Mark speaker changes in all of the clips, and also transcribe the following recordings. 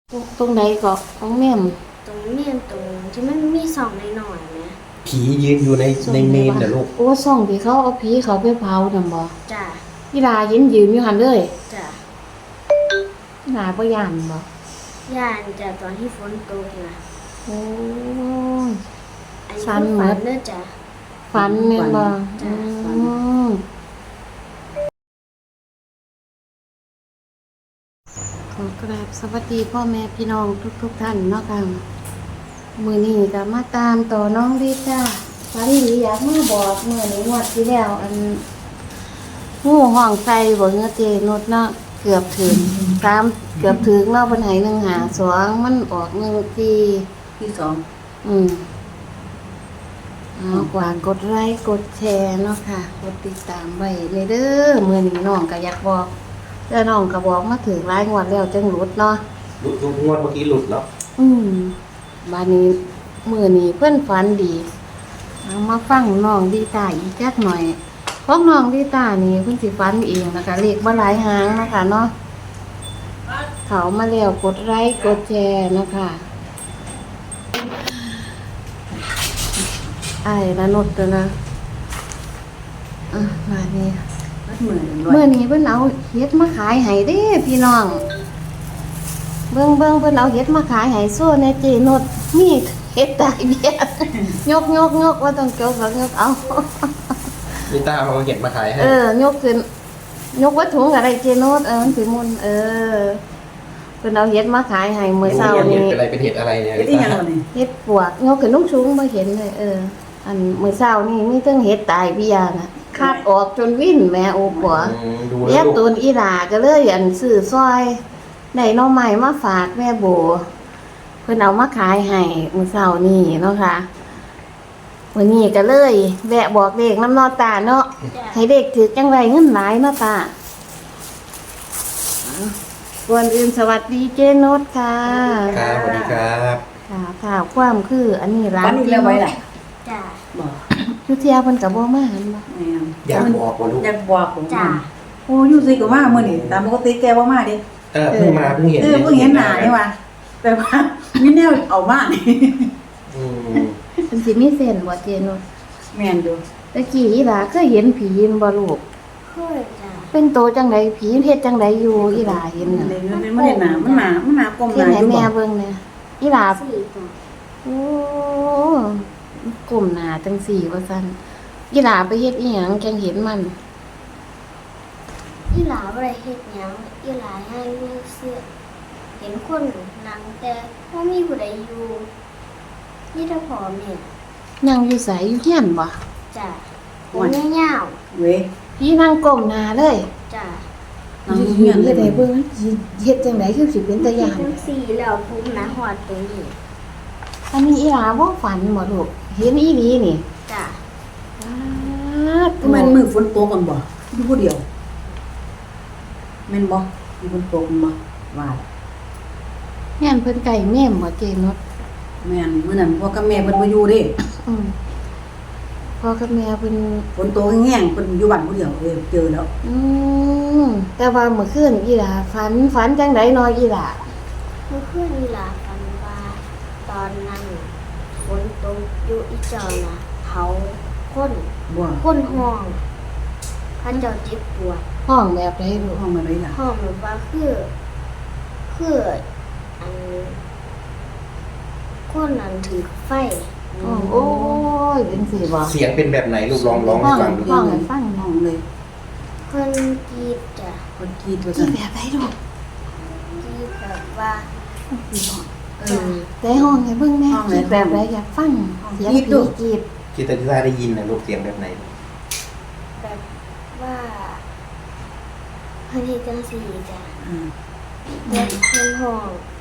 Speaker 1: ตรงไหนก็ของแม่ม
Speaker 2: ตรงเมนตรงที่มันมีสองหน่อยๆไหม
Speaker 3: ผียืนอยู่ในเมนเด้อลูก
Speaker 1: โอ้ส่องที่เขาเอาผีเขาไปเผานั่นบ่
Speaker 2: จ้ะ
Speaker 1: อีหลายืนอยู่หั่นเลย
Speaker 2: จ้ะ
Speaker 1: อีหลาบ่ย่านบ่
Speaker 2: ย่านจะตอนที่ฝนตกนะ
Speaker 1: โอ้ย
Speaker 2: อันนี้
Speaker 1: ฝัน
Speaker 2: คือ
Speaker 1: หม
Speaker 2: ฝั
Speaker 1: ด
Speaker 2: นเด้อจ้ะ
Speaker 1: ฝันแม่นบ่
Speaker 2: จ้ะฝัน
Speaker 1: มขอกราบสวัสดีพ่อแม่พี่น้องทุกท่านเนาะค่ะมื้อนี้ก็มาตามต่อน้องดิจ้าฝันดีอยากมาบอกมื้อนี้งวดที่แล้วงูห้องใส่บ่เงือเจนุดเนาะเกือบถึงเกือบถึงเนาะเพิ่นให้152มันออก1
Speaker 4: ที่สอง
Speaker 1: เอากว่ากดไลค์กดแชร์เนาะค่ะกดติดตามไว้เลยเด้อมื้อนี้น้องก็อยากบอกแล้วน้องก็บอกมาถึงหลายงวดแล้วจังหลุดเนาะ
Speaker 3: หลุดงวดเมื่อกี้หลุดแล้ว
Speaker 1: บัดนี้มื้อนี้เพิ่นฝันดีเอามาฟังน้องดีตาอีกจักหน่อยพวกน้องดีตานี่เพิ่นสิฝันเองนะคะเลขบ่หลายหางนะคะเนาะเขามาแล้วกดไลค์กดแชร์นะคะไอ้ละนดตัวนะมานี่
Speaker 4: เหมือน
Speaker 1: เมื่อนี้เพิ่นเอาเฮ็ดมาขายให้เด้พี่น้องเบิ่งเพิ่นเอาเฮ็ดมาขายให้โซ่ในเจนดนี่เฮ็ดตายเบี้ยยกว่าต้องเกี่ยวกับยกเอา
Speaker 3: นี่ตาเอาเห็ดมาขายให้
Speaker 1: ยกขึ้นยกวัตถุอะไรเจนดมันสิมุนเพิ่นเอาเฮ็ดมาขายให้มื้อเช้านี้
Speaker 3: เป็นอะไรเป็นเห็ดอะไรเนี่ย
Speaker 4: ที่ยังไง
Speaker 1: เฮ็ดปวกยกขึ้นสูงบ่เห็นเลยอันมื้อเช้านี่มีทั้งเฮ็ดตายเบี้ยน่ะคาดออกจนวิ่นแม่โอ้ปัว
Speaker 3: ดู
Speaker 1: เรีย
Speaker 3: แล้
Speaker 1: ก
Speaker 3: ว
Speaker 1: ตูนอีหลาก็เลยซื้อซอยได้หน่อไม้มาฝากแม่โบเพิ่นเอามาขายให้มื้อเช้านี้เนาะค่ะมื้อนี้ก็เลยแวะบอกเลขน้ำเนอตาเนาะ
Speaker 2: จ้ะ
Speaker 1: ให้เด็กถือจังไรเงินหลายเนาะตาก่อนอื่นสวัสดีเจนุชค่ะ
Speaker 3: ครับสวัสดีครับ
Speaker 1: ค่ะความคืออันนี้ร้า
Speaker 4: วัน
Speaker 1: น
Speaker 4: นี้เรียกไว้แหละ
Speaker 2: จ้ะ
Speaker 4: บอก
Speaker 1: อยู่เที่ยวเพิ่นก็บ่มาหั่นบ่
Speaker 3: อยากบอกว่าลูก
Speaker 4: อยากบอกผม
Speaker 2: จ้ะ
Speaker 4: โอ้อยู่ซิก็มาเมื่อนี่ตามปกติแกว่ามาดิ
Speaker 3: เพิ่งมาเพิ่งเห็น
Speaker 4: เพิ่งเห็นหน้านี่ว่าแต่ว่ามีแนวเอามานี่
Speaker 1: เพิ่นสิมีเส้นบ่เจนุช
Speaker 4: แม่นอยู่
Speaker 1: ตะกี้อีหลาเคยเห็นผีบ่ลูก
Speaker 2: เคยจ้ะ
Speaker 1: เป็นโตจังไดผีเฮ็ดจังไดอยู่อีหลาเห็นน่ะ
Speaker 4: เลยเป็นบ่ได้หน้ามันหน้ากลมห
Speaker 1: เฮ็ด
Speaker 4: น้า
Speaker 1: ให้
Speaker 4: อยู่
Speaker 1: แม่
Speaker 4: บ่
Speaker 1: เบิ่งแหน่อีหลา
Speaker 2: สี่ตัว
Speaker 1: โอ้กลุ่มหน้าจังสี่ว่าซั่นอีหลาไปเฮ็ดอีหยังจังเห็นมัน
Speaker 2: อีหลาบ่ได้เฮ็ดหยังอีหลาให้มีเสื้อเห็นคนนั่งแต่บ่มีผู้ใดอยู่นี่ถ้าพอแม่
Speaker 1: นั่งอยู่ไสอยู่เฮียนบ่
Speaker 2: จ้ะผมยาว
Speaker 4: เว้ย
Speaker 1: พี่นั่งก้มหน้าเลย
Speaker 2: ๆจ้ะ
Speaker 4: น้องเมียน
Speaker 1: เฮ็ด
Speaker 4: เล
Speaker 1: ให้
Speaker 4: ย
Speaker 1: เบิ่งเฮ็ดจังไดคือสิเป็นตาย่าน
Speaker 2: ทั้งสี่แล้วผมนะหอดตรงนี้
Speaker 1: อันนี้อีหลาบ่ฝันบ่ลูกเห็นอีหลีนี่
Speaker 2: จ้ะ
Speaker 4: ก็แม่นมือฝนตกกันบ่อยู่ผู้เดียวแม่นบ่มีฝนตกบ่ว่า
Speaker 1: แม่นเพิ่นไก่แม่มบ่เจนด
Speaker 4: แม่นมื้อนั้นพ่อกับแม่เพิ่นบ่อยู่เด้
Speaker 1: อืมพ่อกับแม่เพิ่น
Speaker 4: ฝนตกแห้งๆเพิ่นอยู่บ้านผู้เดียวเจอแล้ว
Speaker 1: แต่ว่าเมื่อคืนอีหลาฝันจังไดน้อยอีหลา
Speaker 2: เมื่อคืนอีหลาฝันว่าตอนนั้นฝนตกอยู่อีจอนะเผาคน
Speaker 4: บ่
Speaker 2: คนห้องพระเจ้าเจ็บปวด
Speaker 1: ห้องแบบใดลูก
Speaker 4: ห้องอะไรล่ะ
Speaker 2: ห้องแบบว่าคืออันคนนั้นถือไฟ
Speaker 1: ห้องโอ้ยเป็นสิบ่
Speaker 3: เสียงเป็นแบบไหนลูกร้องให้ฟังดู
Speaker 1: ห้องให้ฟัง
Speaker 4: ห้องเลย
Speaker 2: เพิ่นกรีดจ้ะ
Speaker 4: คนกรีดว่า
Speaker 1: ที่
Speaker 4: ซั่น
Speaker 1: แบบใดลูก
Speaker 2: กรีดแบบว่า
Speaker 1: แต่ห้องให้เบิ่งแม่คิดแบบใดอยากฟังเสียงผีกรีด
Speaker 3: ที่ตาที่ตาได้ยินนะลูกเสียงแบบไหน
Speaker 2: แบบว่าเพิ่นเฮ็ดจังซี่จ้ะ
Speaker 4: อืม
Speaker 2: เพิ่นห้อง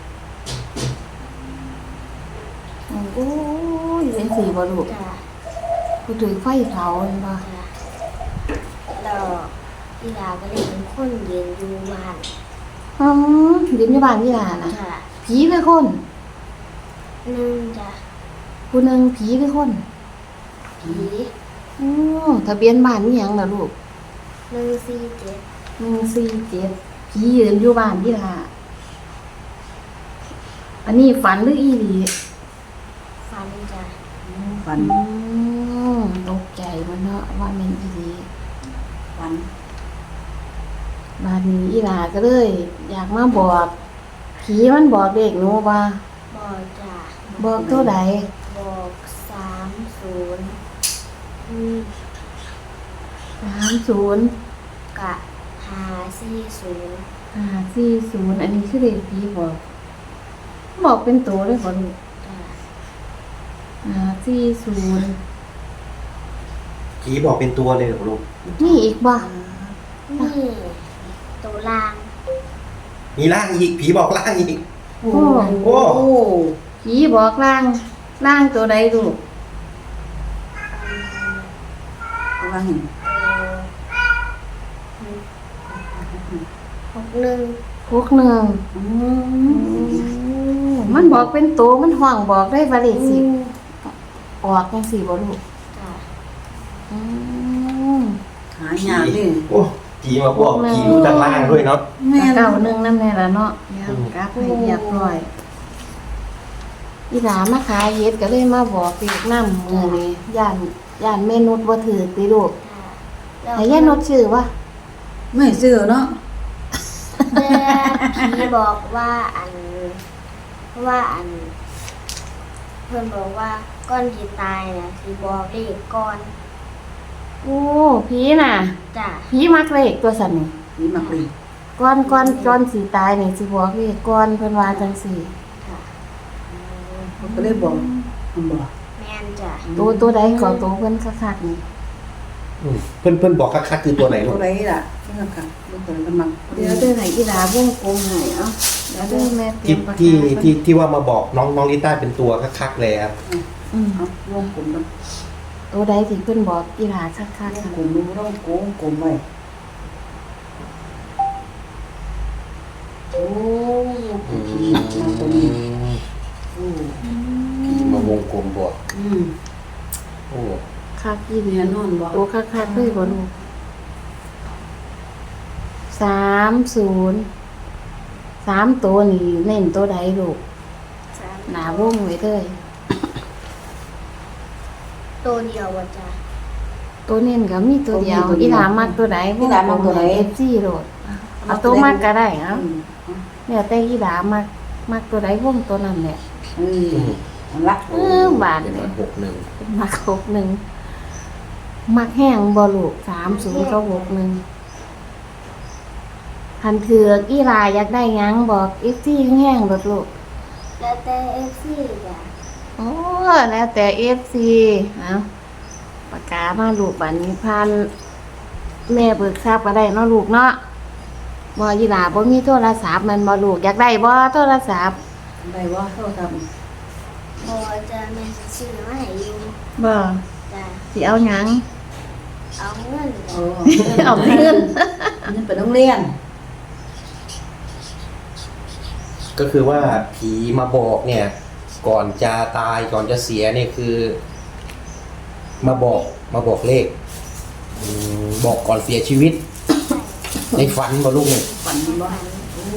Speaker 1: โอ้ยเป็นสิบ่ลูก
Speaker 2: จ้ะ
Speaker 1: ผู้ถือไฟเผาเห็นบ่
Speaker 2: จ้ะแล้วอีหลาก็เลยเป็นคนยืนอยู่บ้าน
Speaker 1: เรียนอยู่บ้านอีหลาน่ะ
Speaker 2: จ้ะ
Speaker 1: ผีหรือคน
Speaker 2: หนึ่งจ้ะ
Speaker 1: ผู้หนึงผีหรือคน
Speaker 2: ผี
Speaker 1: ทะเบียนบ้านนี่หยังล่ะลูก
Speaker 2: 147
Speaker 1: 147ผียืนอยู่บ้านอีหลาอันนี้ฝันหรืออีหลี
Speaker 2: ฟันจ้ะ
Speaker 4: ฝัน
Speaker 1: ตกใจมันเนาะว่าแมันอีหลี
Speaker 4: ฝัน
Speaker 1: บาดนี้อีหลาก็เลย อยากมาบอกผีมันบอกเด็กหนูว่า
Speaker 2: บอกจ้ะ
Speaker 1: บอกเท่าใด
Speaker 2: บอก30
Speaker 1: 30
Speaker 2: กะ540
Speaker 1: 540อันนี้คือเด็กผีบอกบอกเป็นตัวเลยบ่ลูก
Speaker 2: จ้ะ
Speaker 1: 540
Speaker 3: ผีบอกเป็นตัวเลยเหรอลูก
Speaker 1: นี่อีกบ่
Speaker 2: นี่ตัวลาง
Speaker 3: มีร่างอีกผีบอกร่างอีก
Speaker 4: โอ้
Speaker 3: โอ้
Speaker 4: โอ้
Speaker 1: ผีบอกล่างตัวใดลูก
Speaker 4: เอาว่าเห็น
Speaker 2: 61
Speaker 1: 61มันบอกเป็นตัวมันห้องบอกได้ว่าเลขสิออกจังซี่บ่ลูก
Speaker 2: จ้ะ
Speaker 1: อืม
Speaker 4: หายากดิ
Speaker 3: โอ้ผีมาบอกผีรู้ทางล่างด้วยเนาะ
Speaker 4: แม่น
Speaker 1: เก้าหนึ่งนั่นแน่ละเนาะเดี๋ยวกลับให้เรียบร้อยอีหลามาขายเฮ็ดก็เลยมาบอกเด็กนำมื้อนี้ย่านแม่นุชบ่ถือติลูก
Speaker 2: จ้ะ
Speaker 1: ให้ย่านุชชื่อว่า
Speaker 4: ไม่ซื้อเนาะ
Speaker 2: แต่ผีบอกว่าอันเพิ่นบอกว่าก่อนที่ตายน่ะสิบอกเลขก่อน
Speaker 1: โอ้ผีน่ะ
Speaker 2: จ้ะ
Speaker 1: ผีมักเลขตัวสั่นนี่
Speaker 4: นี่มักดี
Speaker 1: ก่อนสิตายนี่สิบอกเลขก่อนเพิ่นว่าจังซี่
Speaker 2: ค่ะ
Speaker 4: เขาก็เลยบอกมันบอก
Speaker 2: แม่นจ้ะ
Speaker 1: ตัวใดก็ตัวเพิ่นคักๆนี่
Speaker 3: เพื่อนบอกคักๆคือตัวไหนลู
Speaker 4: ตั
Speaker 3: ก
Speaker 4: วไหนล่ะนี่ล่ะค่ะลูกเพิ่นกำลัง
Speaker 1: เดี๋ยวเด้อให้อีหลาวงกลมให้เอ้าเดี๋ยวเด้อแม่เตรีย
Speaker 3: ที่
Speaker 1: มปากกา
Speaker 3: ที่ว่ามาบอกน้องลิต้าเป็นตัวคักๆเลยครับ
Speaker 1: อืม
Speaker 4: เอาวงกลมมัน
Speaker 1: ตัวใดที่เพิ่นบอกอีหลาคักๆ
Speaker 4: วง
Speaker 1: ค่ะ
Speaker 4: กลมมันต้องโกงกลมไว้โอ้ผีมาตรงนี้โอ้
Speaker 3: ผีมาวงกลมบอก
Speaker 4: อืม
Speaker 3: โอ้
Speaker 1: คักอีหลี
Speaker 4: แน่นอนบ่
Speaker 1: ตัวคักๆเลยบ่ลูก30 3ตัวนี่เน้นตัวใดลูก
Speaker 2: สาม
Speaker 1: หน้าวงไว้เลย
Speaker 2: ตัวเดียวว่ะจ้ะ
Speaker 1: ตัวเน้นก็มีตัวเดียวอีหลามักตัวใด
Speaker 4: อีหลามักตัวไหน
Speaker 1: FC โลดเอาตัวมักก็ได้เอ้า
Speaker 4: อืม
Speaker 1: แล้วแต่อีหลามักตัวใดวงตัวนั้นแหละ
Speaker 4: นั่นละ
Speaker 1: บาท
Speaker 3: เป็น
Speaker 1: เล
Speaker 3: วั
Speaker 1: ย
Speaker 3: น61
Speaker 1: มัก61มักแห้งบ่ลูก30กับ61คันเถือกอีหลาอยากได้หยังบอก FC แห้งๆโลดลูก
Speaker 2: แล้วแต่ FC จ้ะ
Speaker 1: โอ้แล้วแต่ FC เอาปากกามาลูกบัดนี้พันแม่เบิกทราบก็ได้เนาะลูกเนาะบ่อีหลาบ่มีโทรศัพท์มันบ่ลูกอยากได้บ่โทรศัพท์
Speaker 4: ได้ว่าโทรศัพท์
Speaker 2: พอจะแม่สิซื้อมาให้อยู่
Speaker 1: บ่
Speaker 2: จ้ะ
Speaker 1: สิเอาหยัง
Speaker 2: เอาเงิน
Speaker 4: โอ้
Speaker 2: จ้ะ
Speaker 1: เอาเงิน
Speaker 4: นี่ไปโรงเรียน
Speaker 3: ก็คือว่าผีมาบอกเนี่ย ก่อนจะตายก่อนจะเสียเนี่ยคือ มาบอกเลขบอกก่อนเสียชีวิต ในฝันบ่ลูกเนี่ย
Speaker 4: ฝันบ่โอ้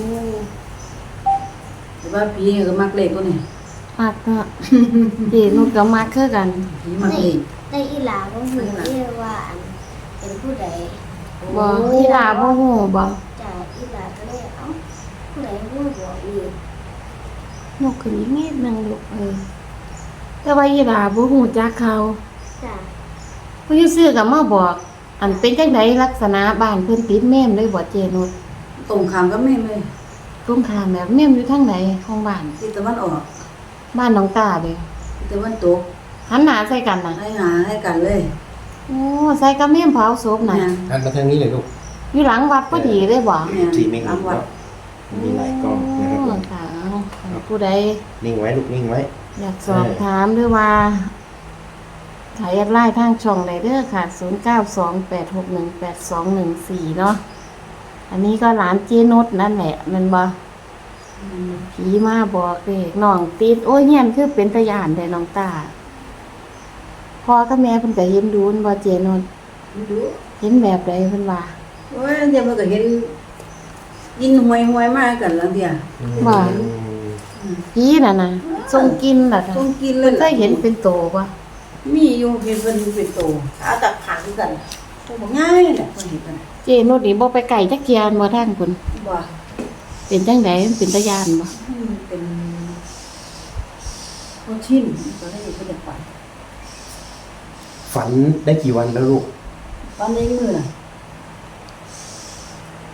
Speaker 4: แต่ว่าผีก็มักเลขตัวนี้
Speaker 1: มักเนาะพี่หนูก็มักคือกัน
Speaker 4: ผีมักเลข
Speaker 2: ในอีหลาบ่ฮู้เรียกว่าอันเป็นผู้ใด
Speaker 1: บ่อีหลาบ่ฮู้บ่
Speaker 2: จ้ะอีหลาก็เลยเอ้าผู้ใดรู้บอกอีก
Speaker 1: นกขึ้นอีกนิดนึงลูกแต่ว่าอีหลาบ่ฮู้จักเขา
Speaker 2: จ้ะ
Speaker 1: ผู้อยู่ซื้อก็มาบอก อันเป็นจังไดลักษณะบ้านเพิ่นติดแม่มเลยบ่เจนุช
Speaker 4: ตรงข้ามกับแม่เลย
Speaker 1: ตรงข้ามแบบแม่มอยู่ทางไหนของบ้าน
Speaker 4: ทิศตะวันออก
Speaker 1: บ้านน้องตาเด้
Speaker 4: ทิศตะวันตก
Speaker 1: หันหน้าใส่กันน่ะ
Speaker 4: ให้หาให้กันเลย
Speaker 1: โอ้ใส่กับแม่มเผาศพน่ะ
Speaker 4: แม่น
Speaker 3: หันมาทางนี้เลยลูก
Speaker 1: อยู่หลังวัดพอดีเลยบ่
Speaker 4: แม่น
Speaker 3: ที่ไม่
Speaker 4: ตาม
Speaker 3: เห็น
Speaker 4: วัด
Speaker 3: เนาะมีหลายกล้องนะครับผม
Speaker 1: ค่ะผู้ใด
Speaker 3: นิ่งไว้ลูกนิ่งไว้
Speaker 1: อยากสอบถามหรือว่าถ่ายแอดไลน์ทางช่องใดเด้อค่ะ 0928618214 เนาะ อันนี้ก็หลานเจนุชนั่นแหละแมันบ่ผีมาบอกเด็กน้องติด โอ้ยเฮียนคือเป็นตะยานได้น้องตาพ่อกับแม่เพิ่นก็เห็นดูนบ่เจนุช
Speaker 4: ดู
Speaker 1: เห็นแบบใดเพิ่นว่า
Speaker 4: โอ้ยเดี๋ยวมันก็เห็นยินหวยมากกันแล้วเดียว
Speaker 1: ว่า
Speaker 3: อืม
Speaker 1: ผีน่ะนะทรงกินล่ะค่ะ
Speaker 4: ต้องกินเล
Speaker 1: เพิ่
Speaker 4: ย
Speaker 1: นเคยเห็นเป็นโตบ่
Speaker 4: มีอยู่เห็นเพิ่นเป็นโตขาตักขังกันตัวบ่ง่ายน่ะเพิ่นเห็นกัน
Speaker 1: เจนุดนี่บ่ไปไกลจักเทียนบ่ทางพุ่น
Speaker 4: บ่
Speaker 1: เป็นจังไดมันเป็นตาย่านบ่
Speaker 4: เป็นโคชินก็ได้เพิ่นจะไป
Speaker 3: ฝันได้กี่วันแล้วลูก
Speaker 4: ตอนนี้มือน่ะ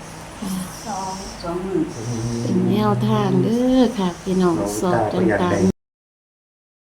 Speaker 2: สอง
Speaker 4: 2 มื้อ
Speaker 1: เป็นแนวทางเด้อค่ะพี่น้องสอบต่างๆ